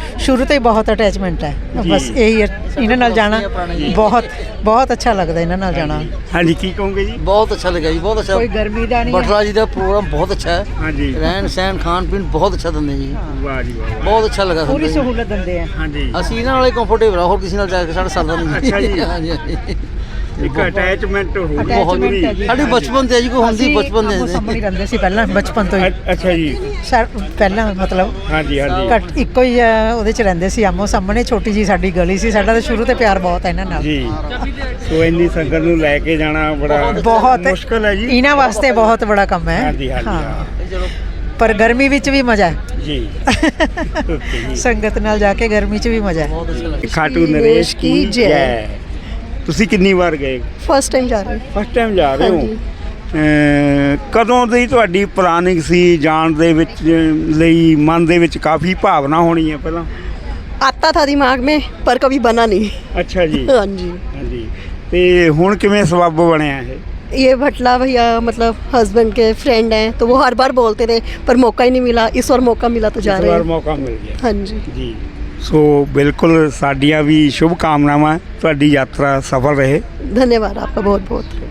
Speaker 11: ਸ਼ੁਰੂ ਤੋਂ ਹੀ ਬਹੁਤ ਅਟੈਚਮੈਂਟ ਹੈ ਬਸ ਇਹੀ ਇਹਨਾਂ ਨਾਲ ਜਾਣਾ ਬਹੁਤ ਬਹੁਤ ਅੱਛਾ ਲੱਗਦਾ ਇਹਨਾਂ ਨਾਲ ਜਾਣਾ।
Speaker 2: ਹਾਂਜੀ ਕੀ ਕਹੋਗੇ ਜੀ?
Speaker 13: बहुत अच्छा लगा जी, बहुत अच्छा।
Speaker 11: ਕੋਈ ਗਰਮੀ ਦਾ ਨਹੀਂ
Speaker 13: बटला जी का प्रोग्राम बहुत अच्छा है।
Speaker 2: हाँ जी।
Speaker 13: रहन सहन खान पीन बहुत अच्छा ਦਿੰਦੇ ਜੀ।
Speaker 2: ਵਾਹ ਜੀ ਵਾਹ।
Speaker 13: ਬਹੁਤ ਅੱਛਾ ਲੱਗਾ
Speaker 11: ਪੂਰੀ
Speaker 13: ਸਾਨੂੰ।
Speaker 11: ਸਹੂਲਤ ਦਿੰਦੇ ਆ।
Speaker 2: ਹਾਂਜੀ
Speaker 13: ਅਸੀਂ ਇਹਨਾਂ ਨਾਲ ਕੰਫਰਟੇਬਲ ਆ, ਹੋਰ ਕਿਸੇ ਨਾਲ ਜਾ ਕੇ ਸਾਡਾ ਸਰਦਾ ਨਹੀਂ।
Speaker 2: ਅੱਛਾ ਜੀ।
Speaker 13: ਹਾਂਜੀ ਹਾਂਜੀ।
Speaker 2: ਇੱਕ ਅਟੈਚਮੈਂਟ ਹੋ
Speaker 11: Attachment ਹੈ ਜੀ।
Speaker 13: ਸਾਡੀ ਬਚਪਨ ਤੇ ਜੀ ਕੋਈ ਹੁੰਦੀ ਬਚਪਨ
Speaker 11: ਅਸੀਂ
Speaker 13: ਦੇ
Speaker 11: ਸਾਹਮਣੇ ਰਹਿੰਦੇ ਸੀ ਪਹਿਲਾਂ ਬਚਪਨ ਤੋਂ ਹੀ।
Speaker 2: ਅੱਛਾ ਜੀ।
Speaker 11: ਪਹਿਲਾਂ ਮਤਲਬ
Speaker 2: ਹਾਂਜੀ ਹਾਂਜੀ
Speaker 11: ਘੱਟ ਇੱਕੋ ਹੀ ਉਹਦੇ ਚ ਰਹਿੰਦੇ ਸੀ ਆਮੋ ਸਾਹਮਣੇ ਛੋਟੀ ਜੀ ਸਾਡੀ ਗਲੀ ਸੀ। ਸਾਡਾ ਤਾਂ ਸ਼ੁਰੂ ਤੋਂ ਪਿਆਰ ਬਹੁਤ ਹੈ ਇਹਨਾਂ ਨਾਲ।
Speaker 2: ਜੀ। ਸੋ ਇੰਨੀ ਸੰਗਤ ਨੂੰ ਲੈ ਕੇ ਜਾਣਾ ਬੜਾ
Speaker 11: ਬਹੁਤ
Speaker 2: ਮੁਸ਼ਕਲ ਹੈ ਜੀ।
Speaker 11: ਇਹਨਾਂ ਵਾਸਤੇ ਬਹੁਤ ਬੜਾ ਕੰਮ ਹੈ।
Speaker 2: ਹਾਂਜੀ ਹਾਂਜੀ ਹਾਂ।
Speaker 11: ਪਰ ਗਰਮੀ ਵਿੱਚ ਵੀ ਮਜ਼ਾ ਹੈ
Speaker 2: ਜੀ ਓਕੇ ਜੀ।
Speaker 11: ਸੰਗਤ ਨਾਲ ਜਾ ਕੇ ਗਰਮੀ 'ਚ ਵੀ ਮਜ਼ਾ ਹੈ।
Speaker 2: ਖਾਟੂ ਨਰੇਸ਼ ਕੀ ਜੈ। ਤੁਸੀਂ ਕਿੰਨੀ ਵਾਰ ਗਏ?
Speaker 7: ਫਸਟ ਟਾਈਮ ਜਾ ਰਹੇ।
Speaker 2: ਫਸਟ ਟਾਈਮ ਜਾ ਰਹੇ ਹੋ। ਕਦੋਂ ਦੀ ਤੁਹਾਡੀ ਪਲਾਨਿੰਗ ਸੀ ਜਾਣ ਦੇ ਵਿੱਚ ਲਈ? ਮਨ ਦੇ ਵਿੱਚ ਕਾਫੀ ਭਾਵਨਾ ਹੋਣੀ ਹੈ ਪਹਿਲਾਂ।
Speaker 7: आता था दिमाग में पर कभी बना नहीं।
Speaker 2: ਅੱਛਾ ਜੀ।
Speaker 7: हाँ जी।
Speaker 2: ਹਾਂਜੀ ਤੇ ਹੁਣ ਕਿਵੇਂ ਸਬੱਬ ਬਣਿਆ ਇਹ?
Speaker 7: ये भटला भैया मतलब हस्बैंड के फ्रेंड हैं तो वो हर बार बोलते थे पर मौका ही नहीं मिला। इस बार मौका मिला तो जा
Speaker 2: ਇਸ
Speaker 7: रहे
Speaker 2: ਵਾਰ
Speaker 7: हैं।
Speaker 2: ਮੌਕਾ ਮਿਲ ਗਿਆ।
Speaker 7: हाँ जी।
Speaker 2: ਜੀ ਸੋ ਬਿਲਕੁਲ ਸਾਡੀਆਂ ਵੀ ਸ਼ੁਭ ਕਾਮਨਾਵਾਂ ਤੁਹਾਡੀ ਯਾਤਰਾ ਸਫਲ ਰਹੇ।
Speaker 7: धन्यवाद आपका बहुत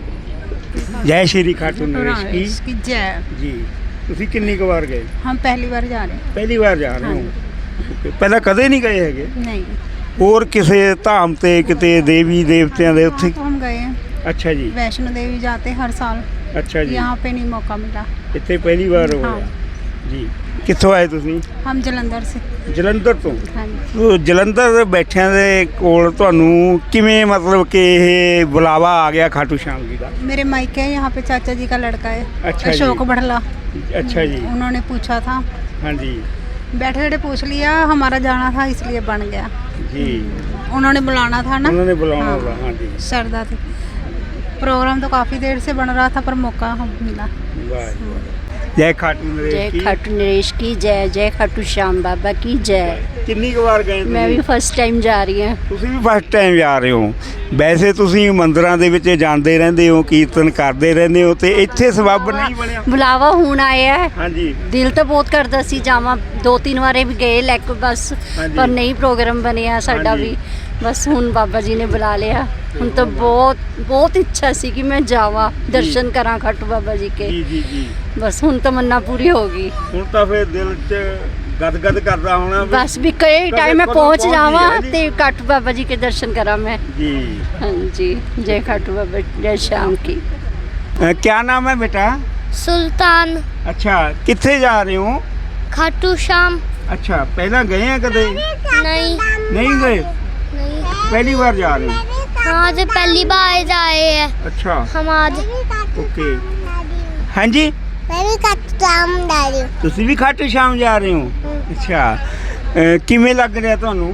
Speaker 7: बहुत।
Speaker 2: ਜੈ ਸ਼੍ਰੀ ਖਾਟੂ ਨਰੇਸ਼ ਕੀ
Speaker 11: की जय।
Speaker 2: ਜੀ। ਤੁਸੀਂ ਕਿੰਨੀ ਕੁ ਵਾਰ ਗਏ?
Speaker 11: हम पहली बार जा रहे
Speaker 2: ਪਹਿਲੀ ਵਾਰ ਜਾ ਰਹੇ ਹੋ। Okay, ਪਹਿਲਾਂ ਕਦੇ ਨਹੀਂ ਗਏ ਹੈਗੇ?
Speaker 11: हैं। नहीं
Speaker 2: ਹੋਰ ਕਿਸੇ ਧਾਮ ਤੇ ਕਿਤੇ ਦੇਵੀ ਦੇਵਤਿਆਂ ਦੇ ਉੱਥੇ?
Speaker 11: हम गए हैं
Speaker 2: ਅੱਛਾ ਜੀ।
Speaker 11: वैष्णो देवी जाते हर साल।
Speaker 2: ਅੱਛਾ ਜੀ।
Speaker 11: यहाँ पे नहीं मौका मिला।
Speaker 2: ਇੱਥੇ ਪਹਿਲੀ ਵਾਰ ਹੋਇਆ ਜੀ। ਕਿੱਥੋਂ ਆਏ ਤੁਸੀਂ?
Speaker 11: हम जलंधर से।
Speaker 2: ਜਲੰਧਰ ਤੋਂ।
Speaker 11: हाँ जी।
Speaker 2: ਸੋ ਜਲੰਧਰ ਬੈਠਿਆਂ ਦੇ ਕੋਲ ਤੁਹਾਨੂੰ ਕਿਵੇਂ ਮਤਲਬ ਕਿ ਇਹ ਬੁਲਾਵਾ ਆ ਗਿਆ ਖਾਟੂ ਸ਼ਾਮ ਜੀ ਦਾ?
Speaker 11: मेरे मायके है यहाँ पे चाचा जी का लड़का है
Speaker 2: अच्छा जी।
Speaker 11: अशोक बढ़ला।
Speaker 2: ਅੱਛਾ ਜੀ।
Speaker 11: उन्होंने पूछा था
Speaker 2: ਹਾਂਜੀ
Speaker 11: बैठे बैठे पूछ लिया हमारा जाना था इसलिए बन गया।
Speaker 2: ਜੀ।
Speaker 11: उन्होंने बुलाना था ना।
Speaker 2: ਉਹਨਾਂ ਨੇ ਬੁਲਾਉਣਾ
Speaker 11: हाँ।
Speaker 2: ਹੋਗਾ। ਹਾਂਜੀ
Speaker 11: श्रद्धा थी। प्रोग्राम तो काफ़ी देर से बन रहा था पर मौका हम मिला।
Speaker 2: ਵਾਹ ਜੀ ਵਾਹ। ਜੈ ਖਾਟੂ ਨਰੇਸ਼ ਕੀ।
Speaker 14: नरेश की जय। जय खाटू श्याम बाबा की जय।
Speaker 2: ਕਿੰਨੀ ਕੁ ਵਾਰ ਗਏ
Speaker 14: मैं भी
Speaker 2: ਤੁਸੀਂ?
Speaker 14: फर्स्ट टाइम जा रही हूँ।
Speaker 2: ਤੁਸੀਂ ਵੀ ਫਸਟ ਟਾਈਮ ਜਾ ਰਹੇ ਹੋ। ਵੈਸੇ ਤੁਸੀਂ ਮੰਦਿਰਾਂ ਦੇ ਵਿੱਚ ਜਾਂਦੇ ਰਹਿੰਦੇ ਹੋ, ਕੀਰਤਨ ਕਰਦੇ ਰਹਿੰਦੇ ਹੋ ਤੇ ਇੱਥੇ ਸਬੱਬ ਨਹੀਂ ਬਣਿਆ?
Speaker 14: बुलावा ਹੁਣ ਆਇਆ ਹੈ।
Speaker 2: ਹਾਂਜੀ
Speaker 14: ਦਿਲ ਤਾਂ ਬਹੁਤ ਕਰਦਾ ਸੀ ਜਾਵਾਂ। 2-3 ਵਾਰੇ ਵੀ ਗਏ ਲੈ ਕੇ ਬਸ
Speaker 2: ਹਾਂਜੀ।
Speaker 14: ਪਰ ਨਹੀਂ ਪ੍ਰੋਗਰਾਮ ਬਣਿਆ ਸਾਡਾ
Speaker 2: ਹਾਂਜੀ।
Speaker 14: ਵੀ। ਬਸ ਹੁਣ ਬਾਬਾ ਜੀ ਨੇ ਬੁਲਾ ਲਿਆ। ਹੁਣ ਤਾਂ ਬਹੁਤ ਬਹੁਤ ਇੱਛਾ ਸੀ ਕਿ ਮੈਂ ਜਾਵਾਂ ਦਰਸ਼ਨ ਕਰਾਂ ਖਾਟੂ ਬਾਬਾ ਜੀ ਕੇ।
Speaker 2: ਜੀ ਜੀ ਜੀ।
Speaker 14: ਬਸ ਹੁਣ ਤਮੰਨਾ ਪੂਰੀ ਹੋ ਗਈ।
Speaker 2: ਹੁਣ ਤਾਂ ਫਿਰ ਦਿਲ 'ਚ ਗਦਗਦ ਕਰਦਾ ਹੋਣਾ ਵੀ।
Speaker 14: ਬਸ ਵੀ ਕਈ
Speaker 2: ਕਦੇ
Speaker 14: ਟਾਈਮ ਮੈਂ
Speaker 2: ਕਦੋਂ
Speaker 14: ਪਹੁੰਚ
Speaker 2: ਪਹੁੰਚਦੀ
Speaker 14: ਜਾਵਾਂ
Speaker 2: ਹੈ ਜੀ?
Speaker 14: ਤੇ ਖਾਟੂ ਬਾਬਾ ਜੀ ਕੇ ਦਰਸ਼ਨ ਕਰਾਂ मैं।
Speaker 2: जी।
Speaker 14: हाँ जी। जय खाटू बाबा जय श्याम की।
Speaker 2: क्या नाम है बेटा?
Speaker 10: ਸੁਲਤਾਨ
Speaker 2: अच्छा कितने जा रहे हो?
Speaker 10: ਖਾਟੂ ਸ਼ਾਮ।
Speaker 2: अच्छा पहला गए हैं कदे?
Speaker 10: नहीं
Speaker 2: नहीं गए?
Speaker 10: नहीं
Speaker 2: पहली बार जा रहे हो?
Speaker 10: हाँ आज पहली बार जाए हैं
Speaker 2: अच्छा
Speaker 10: हम आज।
Speaker 2: ओके। हाँ जी
Speaker 10: मैं भी खाटू श्याम जा रही हूँ।
Speaker 2: ਤੁਸੀਂ ਵੀ ਖਾਟੂ ਸ਼ਾਮ ਜਾ ਰਹੇ ਹੋ? अच्छा किमें लग रहा ਤੁਹਾਨੂੰ?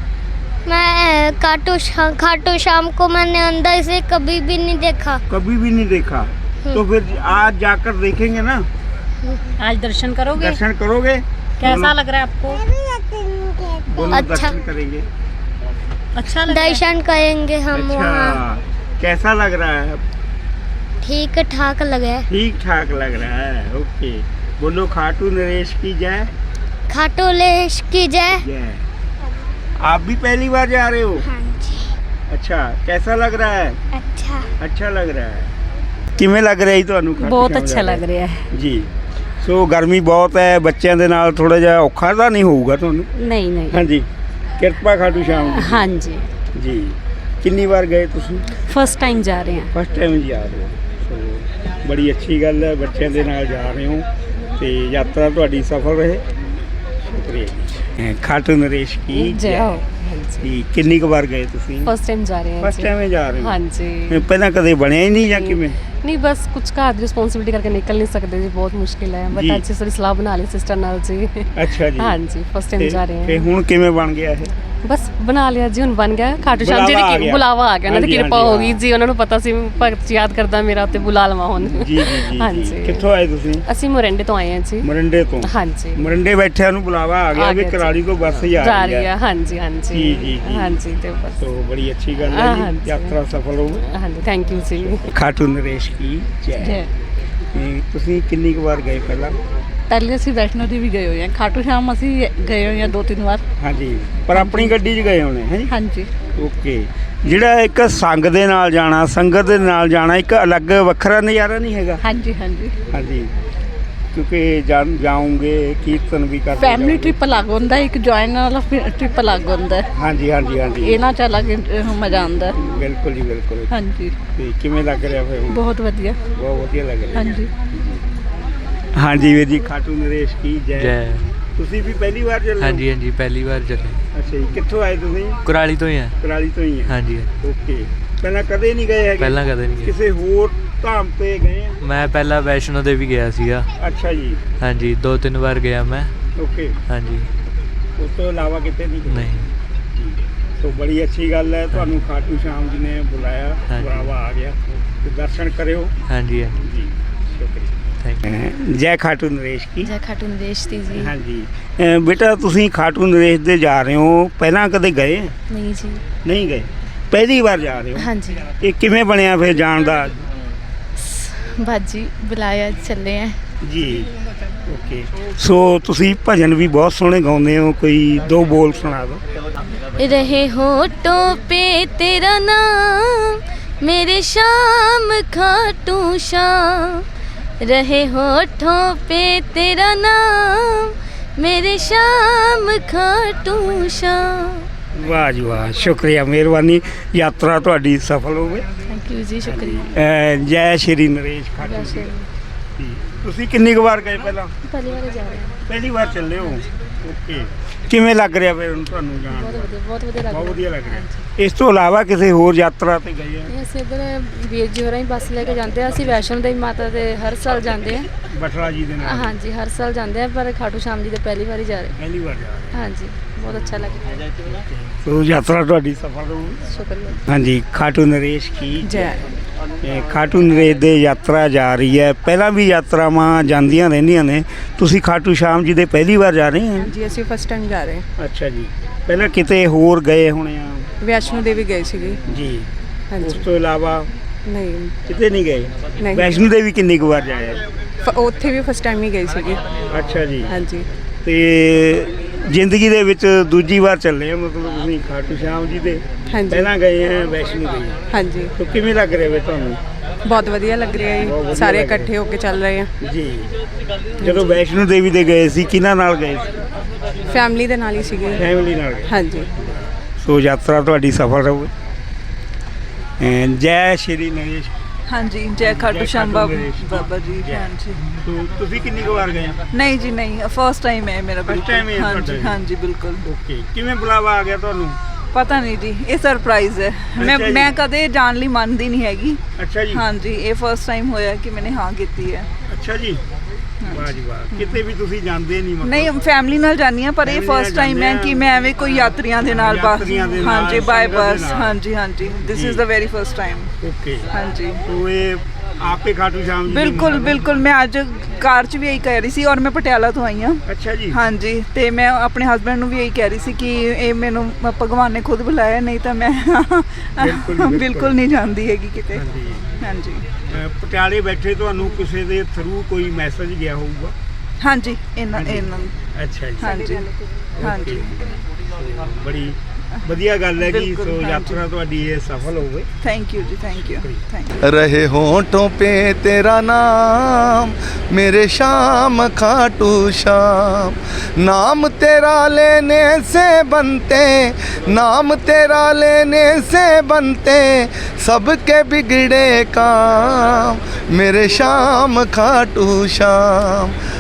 Speaker 10: मैं खाटू शाम को मैंने अंदर से कभी भी नहीं देखा।
Speaker 2: कभी भी नहीं देखा तो फिर आज जाकर देखेंगे ना?
Speaker 11: आज दर्शन करोगे?
Speaker 2: दर्शन करोगे?
Speaker 11: कैसा लग रहा है आपको?
Speaker 2: दोनों
Speaker 10: अच्छा।
Speaker 2: दर्शन करेंगे।
Speaker 11: अच्छा
Speaker 10: दर्शन करेंगे हम वहाँ।
Speaker 2: अच्छा कैसा लग रहा है?
Speaker 10: ठीक ठाक लगे।
Speaker 2: ठीक ठाक लग रहा है। ओके बोलो खाटू नरेश की जय।
Speaker 10: खाटू लेश की जय।
Speaker 2: जय। आप भी पहली बार जा रहे हो?
Speaker 10: हाँ जी।
Speaker 2: अच्छा कैसा लग रहा है?
Speaker 10: अच्छा।
Speaker 2: अच्छा लग रहा है। ਕਿਵੇਂ ਲੱਗ ਰਿਹਾ ਜੀ ਤੁਹਾਨੂੰ?
Speaker 11: बहुत अच्छा लग रहा है।
Speaker 2: ਜੀ। ਸੋ ਗਰਮੀ ਬਹੁਤ ਹੈ, ਬੱਚਿਆਂ ਦੇ ਨਾਲ ਥੋੜਾ ਜਿਹਾ ਔਖਾ ਤਾਂ ਨਹੀਂ ਹੋਊਗਾ ਤੁਹਾਨੂੰ?
Speaker 11: नहीं नहीं।
Speaker 2: ਹਾਂਜੀ ਕਿਰਪਾ ਖਾਟੂ ਸ਼ਾਮ ਦੀ।
Speaker 11: हाँ जी।
Speaker 2: ਜੀ। ਕਿੰਨੀ ਵਾਰ ਗਏ ਤੁਸੀਂ?
Speaker 11: फर्स्ट टाइम जा रहे हैं।
Speaker 2: ਫਸਟ ਟਾਈਮ ਜਾ ਰਹੇ ਹੋ। ਸੋ ਬੜੀ ਅੱਛੀ ਗੱਲ ਹੈ, ਬੱਚਿਆਂ ਦੇ ਨਾਲ ਜਾ ਰਹੇ ਹੋ ਤੇ ਯਾਤਰਾ ਤੁਹਾਡੀ ਸਫਲ ਰਹੇ। ਸ਼ੁਕਰੀਆ ਜੀ। ਖਾਟੂ ਨਰੇਸ਼ ਕੀ
Speaker 11: जय हो।
Speaker 2: ਜੀ। ਕਿੰਨੀ ਕੁ ਵਾਰ ਗਏ ਤੁਸੀਂ?
Speaker 11: फर्स्ट टाइम जा रहे हैं।
Speaker 2: ਫਸਟ ਟਾਈਮ ਜਾ ਰਹੇ ਹੋ?
Speaker 11: हाँ जी।
Speaker 2: ਪਹਿਲਾਂ ਕਦੇ ਬਣਿਆ ਹੀ ਨਹੀਂ ਜਾਂ ਕਿਵੇਂ?
Speaker 11: नहीं बस कुछ घर की रिस्पॉन्सिबिलिटी करके निकल नहीं सकते जी बहुत मुश्किल है बट
Speaker 2: जी।
Speaker 11: अच्छी सारी सलाह बना ली सिस्टर नाल जी।
Speaker 2: ਅੱਛਾ ਜੀ।
Speaker 11: हाँ जी फर्स्ट टाइम जा रहे
Speaker 2: ਤੇ
Speaker 11: हैं।
Speaker 2: ਹੁਣ ਕਿਵੇਂ ਬਣ ਗਿਆ ਇਹ?
Speaker 11: बस बना लिया जी ਹੁਣ बन गया खाटू श्याम जी
Speaker 2: बुलावा आ
Speaker 11: ने
Speaker 2: गया।
Speaker 11: बुलावा आ गया ना
Speaker 2: ਹਾਂਜੀ,
Speaker 11: ਕਿਰਪਾ
Speaker 2: ਹਾਂਜੀ,
Speaker 11: ਹੋ ਗਈ ਜੀ ਉਹਨਾਂ ਨੂੰ ਪਤਾ ਸੀ ਭਗਤ ਯਾਦ ਕਰਦਾ ਮੇਰਾ ਤੇ ਬੁਲਾ ਲਵਾਂ ਹੁਣ।
Speaker 2: ਜੀ ਜੀ ਜੀ
Speaker 11: ਹਾਂਜੀ।
Speaker 2: ਜੀ। ਕਿੱਥੋਂ ਆਏ ਤੁਸੀਂ?
Speaker 11: ਅਸੀਂ ਮੋਰਿੰਡੇ ਤੋਂ ਆਏ ਹਾਂ ਜੀ।
Speaker 2: ਮਰਿੰਡੇ ਤੋਂ?
Speaker 11: ਹਾਂਜੀ।
Speaker 2: ਮਰਿੰਡੇ ਬੈਠਿਆਂ ਨੂੰ ਬੁਲਾਵਾ ਆ ਗਿਆ
Speaker 11: ਆ
Speaker 2: ਵੀ
Speaker 11: ਗਿਆ ਜੀ।
Speaker 2: ਕਰਾਲੀ ਤੋਂ ਬੱਸ ਜਾ
Speaker 11: ਜਾ
Speaker 2: ਰਹੀ
Speaker 11: ਰਹੀ
Speaker 2: ਹੈ।
Speaker 11: ਹੈ ਹਾਂਜੀ ਹਾਂਜੀ।
Speaker 2: ਜੀ, ਜੀ, ਜੀ।
Speaker 11: ਹਾਂਜੀ ਤੇ ਬਸ।
Speaker 2: ਸੋ ਬੜੀ ਅੱਛੀ ਗੱਲ ਹੈ ਜੀ।
Speaker 11: ਹਾਂਜੀ।
Speaker 2: ਯਾਤਰਾ ਸਫਲ ਹੋ।
Speaker 11: ਹਾਂਜੀ ਥੈਂਕ ਯੂ ਜੀ।
Speaker 2: ਖਾਟੂ ਨਰੇਸ਼ ਕੀ ਜੈ।
Speaker 11: ਜੈ।
Speaker 2: ਤੁਸੀਂ ਕਿੰਨੀ ਕੁ ਵਾਰ ਗਏ ਪਹਿਲਾਂ?
Speaker 8: ਪਹਿਲੇ ਅਸੀਂ ਵੈਸ਼ਨੋ ਦੇਵੀ ਗਏ ਹੋਏ ਹਾਂ, ਖਾਟੂ ਸ਼ਾਮ ਅਸੀਂ ਗਏ ਹੋਏ ਹਾਂ 2-3 ਵਾਰ।
Speaker 2: ਹਾਂਜੀ, ਪਰ ਆਪਣੀ ਗੱਡੀ 'ਚ ਗਏ ਹੋਣੇ ਹੈ।
Speaker 8: ਹਾਂਜੀ।
Speaker 2: ਓਕੇ, ਜਿਹੜਾ ਇੱਕ ਸੰਗ ਦੇ ਨਾਲ ਜਾਣਾ, ਸੰਗਤ ਦੇ ਨਾਲ ਜਾਣਾ, ਇੱਕ ਅਲੱਗ ਵੱਖਰਾ ਨਜ਼ਾਰਾ ਨਹੀਂ ਹੈਗਾ?
Speaker 8: ਹਾਂਜੀ ਹਾਂਜੀ
Speaker 2: ਹਾਂਜੀ, ਕਿਉਂਕਿ ਜਾਉਂਗੇ ਕੀਰਤਨ ਵੀ ਕਰਦੇ
Speaker 8: ਫੈਮਿਲੀ ਟ੍ਰਿਪ ਅਲੱਗ ਹੁੰਦਾ, ਇੱਕ ਜੁਆਇਨ ਵਾਲਾ ਟ੍ਰਿਪ ਅਲੱਗ ਹੁੰਦਾ।
Speaker 2: ਹਾਂਜੀ ਹਾਂਜੀ ਹਾਂਜੀ,
Speaker 8: ਇਹਨਾਂ 'ਚ ਅਲੱਗ ਮਜ਼ਾ ਆਉਂਦਾ।
Speaker 2: ਬਿਲਕੁਲ ਜੀ ਬਿਲਕੁਲ।
Speaker 8: ਹਾਂਜੀ,
Speaker 2: ਤੇ ਕਿਵੇਂ ਲੱਗ ਰਿਹਾ ਫਿਰ?
Speaker 8: ਬਹੁਤ ਵਧੀਆ।
Speaker 2: ਬਹੁਤ ਵਧੀਆ ਲੱਗ ਰਿਹਾ।
Speaker 8: ਹਾਂਜੀ
Speaker 2: ਹਾਂਜੀ ਵੀਰ ਜੀ, ਖਾਟੂ ਨਰੇਸ਼ ਕੀ ਜੈ। ਤੁਸੀਂ ਵੀ ਪਹਿਲੀ ਵਾਰ ਚੱਲੇ?
Speaker 15: ਹਾਂਜੀ ਹਾਂਜੀ, ਪਹਿਲੀ ਵਾਰ ਚੱਲੇ।
Speaker 2: ਅੱਛਾ ਜੀ, ਕਿੱਥੋਂ ਆਏ ਤੁਸੀਂ?
Speaker 15: ਕੁਰਾਲੀ ਤੋਂ ਹੀ ਆ।
Speaker 2: ਕੁਰਾਲੀ ਤੋਂ ਹੀ ਆ? ਹਾਂਜੀ। ਓਕੇ, ਪਹਿਲਾਂ ਕਦੇ ਨਹੀਂ ਗਏ ਹੈਗੇ?
Speaker 15: ਪਹਿਲਾਂ ਕਦੇ ਨਹੀਂ ਗਏ।
Speaker 2: ਕਿਸੇ ਹੋਰ ਧਾਮ ਤੇ ਗਏ ਆ?
Speaker 15: ਮੈਂ ਪਹਿਲਾਂ ਵੈਸ਼ਨੋ ਦੇਵੀ ਗਿਆ ਸੀਗਾ।
Speaker 2: ਅੱਛਾ ਜੀ।
Speaker 15: ਹਾਂਜੀ, 2-3 ਵਾਰ ਗਿਆ ਮੈਂ।
Speaker 2: ਓਕੇ।
Speaker 15: ਹਾਂਜੀ,
Speaker 2: ਉਸ ਤੋਂ ਇਲਾਵਾ ਕਿਤੇ ਨਹੀਂ ਗਏ?
Speaker 15: ਨਹੀਂ।
Speaker 2: ਸੋ ਬੜੀ ਅੱਛੀ ਗੱਲ ਹੈ, ਤੁਹਾਨੂੰ ਖਾਟੂ ਸ਼ਾਮ ਜੀ ਨੇ ਬੁਲਾਇਆ, ਬੁਲਾਵਾ ਆ ਗਿਆ, ਤੇ ਦਰਸ਼ਨ ਕਰਿਓ। ਹਾਂਜੀ ਹਾਂਜੀ ਜੀ, ਸ਼ੁਕਰੀਆ। ਜੈ ਖਾਟੂ ਨਰੇਸ਼ ਕੀ।
Speaker 10: ਜੈ ਖਾਟੂ ਨਰੇਸ਼ ਦੀ ਜੀ।
Speaker 2: ਹਾਂਜੀ ਬੇਟਾ, ਤੁਸੀਂ ਖਾਟੂ ਨਰੇਸ਼ ਦੇ ਜਾ ਰਹੇ ਹੋ, ਪਹਿਲਾਂ ਕਦੇ ਗਏ?
Speaker 10: ਨਹੀਂ ਜੀ।
Speaker 2: ਨਹੀਂ ਗਏ, ਪਹਿਲੀ ਵਾਰ ਜਾ ਰਹੇ ਹੋ?
Speaker 10: ਹਾਂਜੀ।
Speaker 2: ਇਹ ਕਿਵੇਂ ਬਣਿਆ ਫਿਰ ਜਾਣ ਦਾ?
Speaker 10: ਬਾਜੀ ਬੁਲਾਇਆ, ਚੱਲੇ ਆ
Speaker 2: ਜੀ। ਓਕੇ, ਸੋ ਤੁਸੀਂ ਭਜਨ ਵੀ ਬਹੁਤ ਸੋਹਣੇ ਗਾਉਂਦੇ ਹੋ, ਕੋਈ 2 ਬੋਲ ਸੁਣਾ ਦਿਓ।
Speaker 10: ਰਹੇ ਹੋਠੋਂ पे तेरा नाम मेरे शाम खाटू श्याम, रहे होठों पे तेरा नाम मेरे शाम खाटू श्याम।
Speaker 2: ਵਾਹ ਜੀ ਵਾਹ, ਸ਼ੁਕਰੀਆ, ਮਿਹਰਬਾਨੀ। ਯਾਤਰਾ ਤੁਹਾਡੀ ਸਫਲ ਹੋਵੇ।
Speaker 10: ਥੈਂਕ ਯੂ ਜੀ, ਸ਼ੁਕਰੀਆ।
Speaker 2: ਜੈ ਸ਼੍ਰੀ ਨਰੇਸ਼ ਖਾਟੂ ਜੀ। ਤੁਸੀਂ ਕਿੰਨੀ ਕੁ ਵਾਰ ਗਏ ਪਹਿਲਾਂ?
Speaker 10: ਪਹਿਲੀ ਵਾਰ ਜਾ ਰਹੇ ਹਾਂ।
Speaker 2: ਪਹਿਲੀ ਵਾਰ ਚੱਲੇ ਹੋ? ਓਕੇ, ਕਿਵੇਂ ਲੱਗ ਰਿਹਾ ਫਿਰ ਤੁਹਾਨੂੰ ਜਾਣ?
Speaker 10: ਬਹੁਤ ਵਧੀਆ ਲੱਗ ਰਿਹਾ।
Speaker 2: ਬਹੁਤ ਵਧੀਆ ਲੱਗ ਰਿਹਾ। ਇਸ ਤੋਂ ਇਲਾਵਾ ਕਿਸੇ ਹੋਰ ਯਾਤਰਾ ਤੇ ਗਏ ਆ?
Speaker 10: ਅਸੀਂ ਇੱਧਰ ਵੀਰ ਜੀ ਹੋਰਾਂ ਹੀ ਬੱਸ ਲੈ ਕੇ ਜਾਂਦੇ ਆ। ਅਸੀਂ ਵੈਸ਼ਨੋ ਦੇਵੀ ਮਾਤਾ ਦੇ ਹਰ ਸਾਲ ਜਾਂਦੇ ਆ।
Speaker 2: ਬਟਲਾ ਜੀ ਦੇ ਨਾਲ? ਹਾਂਜੀ,
Speaker 10: ਹਰ ਸਾਲ ਜਾਂਦੇ ਆ, ਪਰ ਖਾਟੂ ਸ਼ਾਮ ਜੀ ਦੇ ਪਹਿਲੀ ਵਾਰੀ ਜਾ ਰਹੇ।
Speaker 2: ਪਹਿਲੀ ਵਾਰ ਜਾ ਰਹੇ?
Speaker 10: ਹਾਂਜੀ, ਬਹੁਤ ਅੱਛਾ ਲੱਗਿਆ।
Speaker 2: ਸੋ ਯਾਤਰਾ ਤੁਹਾਡੀ ਸਫਲ ਹੋਵੇ।
Speaker 10: ਸ਼ੁਕਰੀਆ।
Speaker 2: ਹਾਂਜੀ, ਖਾਟੂ ਨਰੇਸ਼ ਕੀ
Speaker 8: ਜੈ।
Speaker 2: ਖਾਟੂ ਨਰੇਸ਼ ਦੇ ਯਾਤਰਾ ਜਾ ਰਹੀ ਹੈ, ਪਹਿਲਾਂ ਵੀ ਯਾਤਰਾਵਾਂ ਜਾਂਦੀਆਂ ਰਹਿੰਦੀਆਂ ਨੇ, ਤੁਸੀਂ ਖਾਟੂ ਸ਼ਾਮ ਜੀ ਦੇ ਪਹਿਲੀ ਵਾਰ ਜਾ ਰਹੇ ਹੋ?
Speaker 8: ਜੀ, ਅਸੀਂ ਫਸਟ ਟਾਈਮ ਜਾ ਰਹੇ ਹਾਂ।
Speaker 2: ਅੱਛਾ ਜੀ, ਪਹਿਲਾਂ ਕਿਤੇ ਹੋਰ ਗਏ ਹੋਣੇ ਆ?
Speaker 8: ਵੈਸ਼ਨੋ ਦੇਵੀ ਗਏ ਸੀਗੇ
Speaker 2: ਜੀ।
Speaker 8: ਹਾਂਜੀ।
Speaker 2: ਉਸ ਤੋਂ ਇਲਾਵਾ
Speaker 8: ਨਹੀਂ,
Speaker 2: ਕਿਤੇ ਨਹੀਂ ਗਏ?
Speaker 8: ਨਹੀਂ।
Speaker 2: ਵੈਸ਼ਨੋ ਦੇਵੀ ਕਿੰਨੀ ਕੁ ਵਾਰ ਜਾਏ?
Speaker 8: ਉੱਥੇ ਵੀ ਫਸਟ ਟਾਈਮ ਹੀ ਗਏ ਸੀਗੇ।
Speaker 2: ਅੱਛਾ ਜੀ।
Speaker 8: ਹਾਂਜੀ।
Speaker 2: ਤੇ ਜ਼ਿੰਦਗੀ ਦੇ ਵਿੱਚ ਦੂਜੀ ਵਾਰ ਚੱਲੇ ਆ, ਮਤਲਬ ਤੁਸੀਂ ਖਾਟੂ ਸ਼ਾਮ ਜੀ ਦੇ?
Speaker 8: ਹਾਂਜੀ।
Speaker 2: ਪਹਿਲਾਂ ਗਏ ਆ ਵੈਸ਼ਨੋ ਦੇਵੀ?
Speaker 8: ਹਾਂਜੀ।
Speaker 2: ਤਾਂ ਕਿਵੇਂ ਲੱਗ ਰਿਹਾ ਵੇ ਤੁਹਾਨੂੰ?
Speaker 8: ਬਹੁਤ ਵਧੀਆ ਲੱਗ ਰਿਹਾ ਜੀ, ਸਾਰੇ ਇਕੱਠੇ ਹੋ ਕੇ ਚੱਲ ਰਹੇ ਆ
Speaker 2: ਜੀ। ਜਦੋਂ ਵੈਸ਼ਨੋ ਦੇਵੀ ਦੇ ਗਏ ਸੀ, ਕਿਹਨਾਂ ਨਾਲ ਗਏ ਸੀ?
Speaker 8: ਫੈਮਿਲੀ ਦੇ ਨਾਲ ਹੀ ਸੀਗੇ।
Speaker 2: ਫੈਮਿਲੀ ਨਾਲ ਗਏ?
Speaker 8: ਹਾਂਜੀ।
Speaker 2: ਸੋ ਯਾਤਰਾ ਤੁਹਾਡੀ ਸਫਲ ਰਹੂਗੀ। ਜੈ ਸ਼੍ਰੀ ਨਰੇਸ਼।
Speaker 8: ਹਾਂਜੀ, ਜੈ ਖਾਟੂ ਸ਼ਾਮ ਬਾਬਾ ਜੀ। ਹਾਂਜੀ।
Speaker 2: ਤੁਸੀਂ ਕਿੰਨੀ ਕੁ ਵਾਰ ਗਏ?
Speaker 8: ਨਹੀਂ ਜੀ, ਨਹੀਂ, ਫਸਟ ਟਾਈਮ ਹੈ ਮੇਰਾ।
Speaker 2: ਫਸਟ ਟਾਈਮ ਹੈ?
Speaker 8: ਹਾਂਜੀ ਹਾਂਜੀ, ਬਿਲਕੁਲ।
Speaker 2: ਓਕੇ, ਕਿਵੇਂ ਬੁਲਾਵਾ ਆ ਗਿਆ ਤੁਹਾਨੂੰ?
Speaker 8: ਪਤਾ ਨਹੀਂ ਜੀ, ਇਹ ਸਰਪ੍ਰਾਈਜ਼ ਹੈ। ਮੈਂ ਕਦੇ ਜਾਣ ਲਈ ਮੰਨਦੀ ਨਹੀਂ ਹੈਗੀ।
Speaker 2: ਅੱਛਾ ਜੀ।
Speaker 8: ਹਾਂਜੀ, ਇਹ ਫਸਟ ਟਾਈਮ ਹੋਇਆ ਕਿ ਮੈਨੇ ਹਾਂ ਕੀਤੀ ਹੈ।
Speaker 2: ਅੱਛਾ ਜੀ, ਵਾਹ ਜੀ ਵਾਹ। ਕਿਤੇ ਵੀ ਤੁਸੀਂ ਜਾਂਦੇ ਨਹੀਂ?
Speaker 8: ਨਹੀਂ, ਫੈਮਿਲੀ ਨਾਲ ਜਾਂਦੀ ਹਾਂ, ਪਰ ਇਹ ਫਸਟ ਟਾਈਮ ਹੈ ਕਿ ਮੈਂ ਐਵੇਂ ਕੋਈ ਯਾਤਰੀਆਂ ਦੇ ਨਾਲ ਬੱਸ। ਹਾਂਜੀ, ਬਾਏ ਬੱਸ। ਹਾਂਜੀ ਹਾਂਜੀ, this is the very first time.
Speaker 2: Okay.
Speaker 8: ਹਾਂਜੀ।
Speaker 2: ਸੋ ਇਹ ਆਪੇ ਖਾਟੂ ਸ਼ਾਮ ਜੀ?
Speaker 8: ਬਿਲਕੁਲ ਬਿਲकुल, ਮੈਂ ਅੱਜ ਕਾਰ 'ਚ ਵੀ ਇਹੀ ਕਹਿ ਰਹੀ ਸੀ, ਔਰ ਮੈਂ ਪਟਿਆਲਾ ਤੋਂ ਆਈ ਹਾਂ।
Speaker 2: ਅੱਛਾ ਜੀ। ਹਾਂਜੀ,
Speaker 8: ਤੇ ਮੈਂ ਆਪਣੇ ਹਸਬੈਂਡ ਨੂੰ ਵੀ ਇਹੀ ਕਹਿ ਰਹੀ ਸੀ ਕਿ ਇਹ ਮੈਨੂੰ ਭਗਵਾਨ ਨੇ ਖੁਦ ਬੁਲਾਇਆ, ਨਹੀਂ ਤਾਂ ਮੈਂ ਬਿਲਕੁਲ ਨਹੀਂ ਜਾਂਦੀ ਹੈਗੀ ਕਿਤੇ। ਹਾਂਜੀ।
Speaker 2: ਪਟਿਆਲੇ ਬੈਠੇ ਤੁਹਾਨੂੰ ਕਿਸੇ ਦੇ ਥਰੂ ਕੋਈ ਮੈਸੇਜ ਗਿਆ ਹੋਊਗਾ?
Speaker 8: ਹਾਂਜੀ, ਇਹਨਾਂ
Speaker 2: ਅੱਛਾ ਜੀ।
Speaker 8: ਹਾਂਜੀ ਹਾਂਜੀ,
Speaker 2: ਬੜੀ ਵਧੀਆ ਗੱਲ ਹੈ ਕਿ ਸੋ ਯਾਤਰਾ ਤੁਹਾਡੀ ਇਹ ਸਫਲ ਹੋਵੇ।
Speaker 8: Thank you ji, thank you.
Speaker 1: रहे होठों पे तेरा नाम मेरे शाम खाटू श्याम, नाम तेरा लेने से बनते, नाम तेरा लेने से बनते सबके बिगड़े काम, मेरे शाम खाटू श्याम,